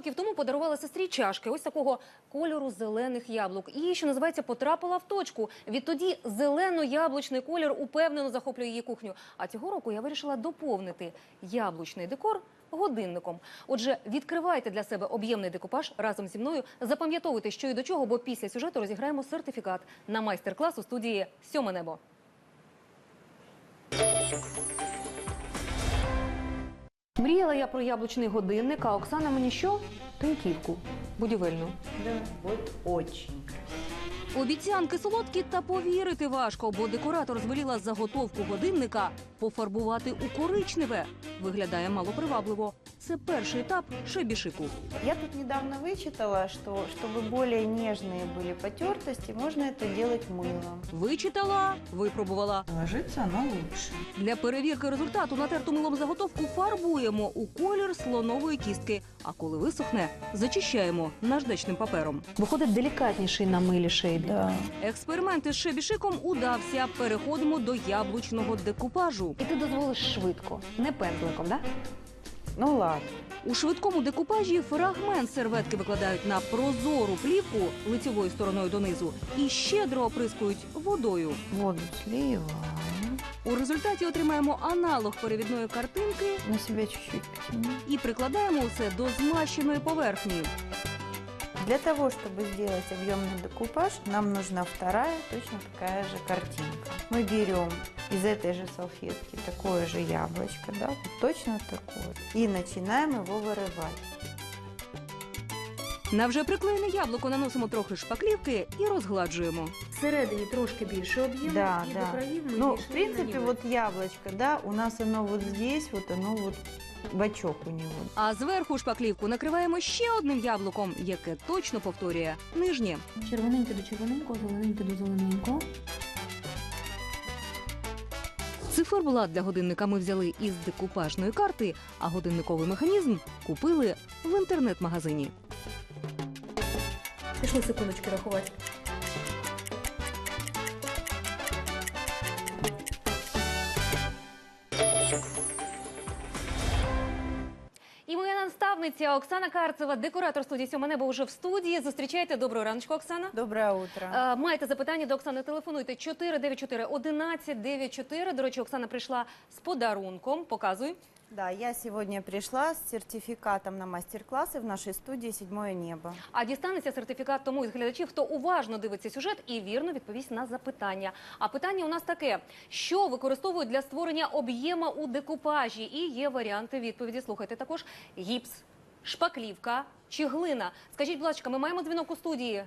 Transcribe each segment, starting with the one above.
років тому подарувала сестрі чашки ось такого кольору зелених яблук. І, що називається, потрапила в точку. Відтоді зелено-яблучний колір упевнено захоплює її кухню. А цього року я вирішила доповнити яблучний декор годинником. Отже, відкривайте для себе об'ємний декупаж разом зі мною. Запам'ятовуйте, що і до чого, бо після сюжету розіграємо сертифікат на майстер-клас у студії «Сьоме небо». Мріяла я про яблучний годинник, а Оксана мені що? Тиньківку будівельну. Да, вот очень. Обіцянки солодкі, та повірити важко, бо декоратор звеліла заготовку годинника пофарбувати у коричневе. Виглядає малопривабливо. Це перший етап шебішику. Я тут недавно вычитала, что чтобы более нежные были потертости, можно это делать мылом. Вичитала, випробувала. Ложится оно лучше. Для перевірки результату натерту милом заготовку фарбуємо у колір слонової кістки. А коли висохне, зачищаємо наждачним папером. Виходить делікатніший на милі шейбі. Да. Експеримент із шебішиком удався. Переходимо до яблучного декупажу. І ти дозволиш швидко, не пензликом, да? Ну ладно. У швидкому декупажі фрагмент серветки викладають на прозору плівку лицевою стороною донизу і щедро оприскують водою. Воду сливаем. У результаті отримаємо аналог перевідної картинки На себя чуть-чуть потяни. і прикладаємо усе до змащеної поверхні. Для того, чтобы сделать объемный декупаж, нам нужна вторая, точно такая же картинка. Мы берем из этой же салфетки такое же яблочко, да, вот точно такое, и начинаем его вырывать. На вже приклеєне яблуко наносимо трохи шпаклівки і розгладжуємо. Всередині трошки більше об'єму Да, і да. до країв ми Ну, більше в принципе, не вот яблочко, да, у нас оно вот здесь, вот оно вот бочок у него. А зверху шпаклівку накриваємо ще одним яблуком, яке точно повторює нижнє. Червоненьке до червоненького, зелененьке до зелененького. Циферблат для годинника ми взяли із декупажної карти, а годинниковий механізм купили в інтернет-магазині. Пішли секундочки рахувати. І моя наставниця Оксана Карцева, декоратор студії «Сьоме небо», вже в студії. Зустрічайте. Доброго раночку, Оксана. Доброе утро. Маєте запитання до Оксани, телефонуйте 494-1194. До речі, Оксана прийшла з подарунком. Показуй. Да, я сегодня пришла с сертификатом на мастер-классы в нашей студии «Седьмое небо». А дістанеться сертифікат тому із глядачів, хто уважно дивиться сюжет і вірно відповість на запитання. А питання у нас таке. Що використовують для створення об'єма у декупажі? І є варіанти відповіді. Слухайте також. Гіпс, шпаклівка чи глина. Скажіть, будь ласка, ми маємо дзвінок у студії?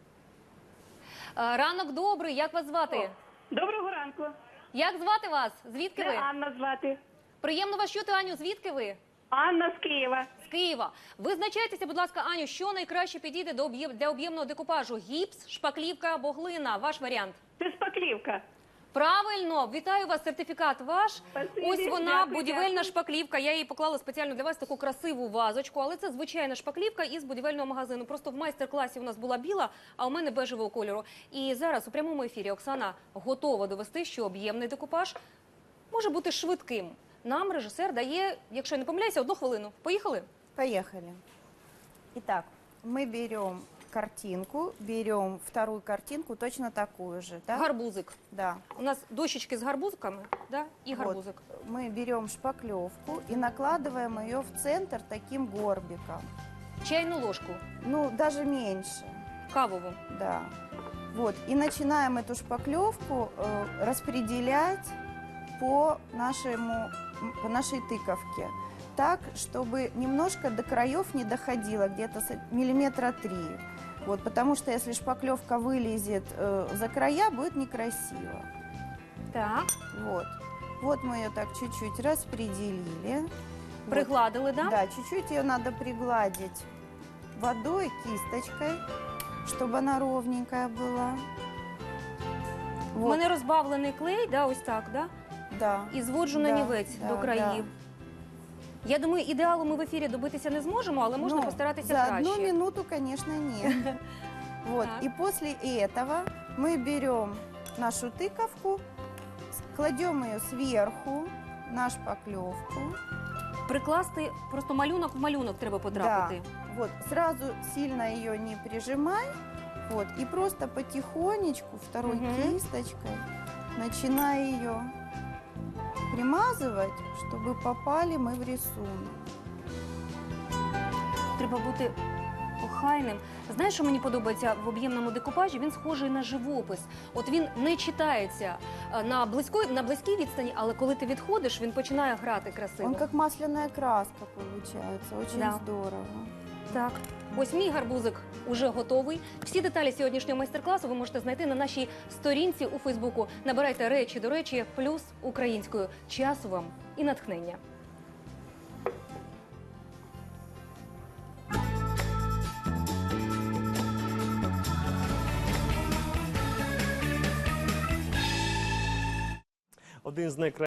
Ранок добрий. Як вас звати? Доброго ранку. Як звати вас? Звідки ви? Анна звати. Приємно вас чути, Аню. Звідки ви? Анна з Києва. З Києва. Визначайтеся, будь ласка, Аню, що найкраще підійде для об'ємного декупажу? Гіпс, шпаклівка або глина? Ваш варіант. Це шпаклівка. Правильно, вітаю вас, сертифікат ваш. Спасибі, Ось вона, дякую, будівельна дякую. шпаклівка. Я її поклала спеціально для вас, таку красиву вазочку, але це звичайна шпаклівка із будівельного магазину. Просто в майстер-класі у нас була біла, а у мене бежевого кольору. І зараз у прямому ефірі Оксана готова довести, що об'ємний декупаж може бути швидким. Нам режисер дає, якщо я не помиляюся, 1 хвилину. Поїхали? Поехали. Итак, мы берем картинку, берем вторую картинку, точно такую же, да? Гарбузик. Да. У нас дощечки з гарбузиками, да? І Вот. гарбузик. Мы берем шпаклевку и накладываем ее в центр таким горбиком. Чайну ложку, Ну, даже меньше, кавову. да. Вот. И начинаем эту шпаклевку распределять по нашей тыковке. Так, чтобы немножко до краев не доходило, где-то миллиметра 3. Вот, потому что если шпаклевка вылезет за края, будет некрасиво. Так. Вот. Вот мы ее так чуть-чуть распределили. Вот. Пригладили, да? Да, чуть-чуть ее надо пригладить водой, кисточкой, чтобы она ровненькая была. У Вот, мене розбавлений клей, да, ось так, да? да. І зводжу на Да, нівець да, до країв. Я думаю, ідеалу ми в ефірі добитися не зможемо, але можна Ну, постаратися за краще. 1 минуту, конечно, нет. Вот. Так. И после этого мы берем нашу тыковку, кладем ее сверху на шпаклевку прикласти просто малюнок в малюнок треба потрапити. Да. Вот, сразу сильно ее не прижимай. Вот, и просто потихонечку второй Мгм. кисточкой начинай ее примазывать, чтобы попали мы в рисунок. Треба бути охайним. Знаєш, що мені подобається в об'ємному декупажі? Він схожий на живопис. От він не читається на близькій відстані, але коли ти відходиш, він починає грати красиво. Он как масляная краска получается, очень Да. здорово. Так, ось мій гарбузик уже готовий. Всі деталі сьогоднішнього майстер-класу ви можете знайти на нашій сторінці у Фейсбуку. Набирайте речі до речі, плюс українською. Часу вам і натхнення. Один з найкращих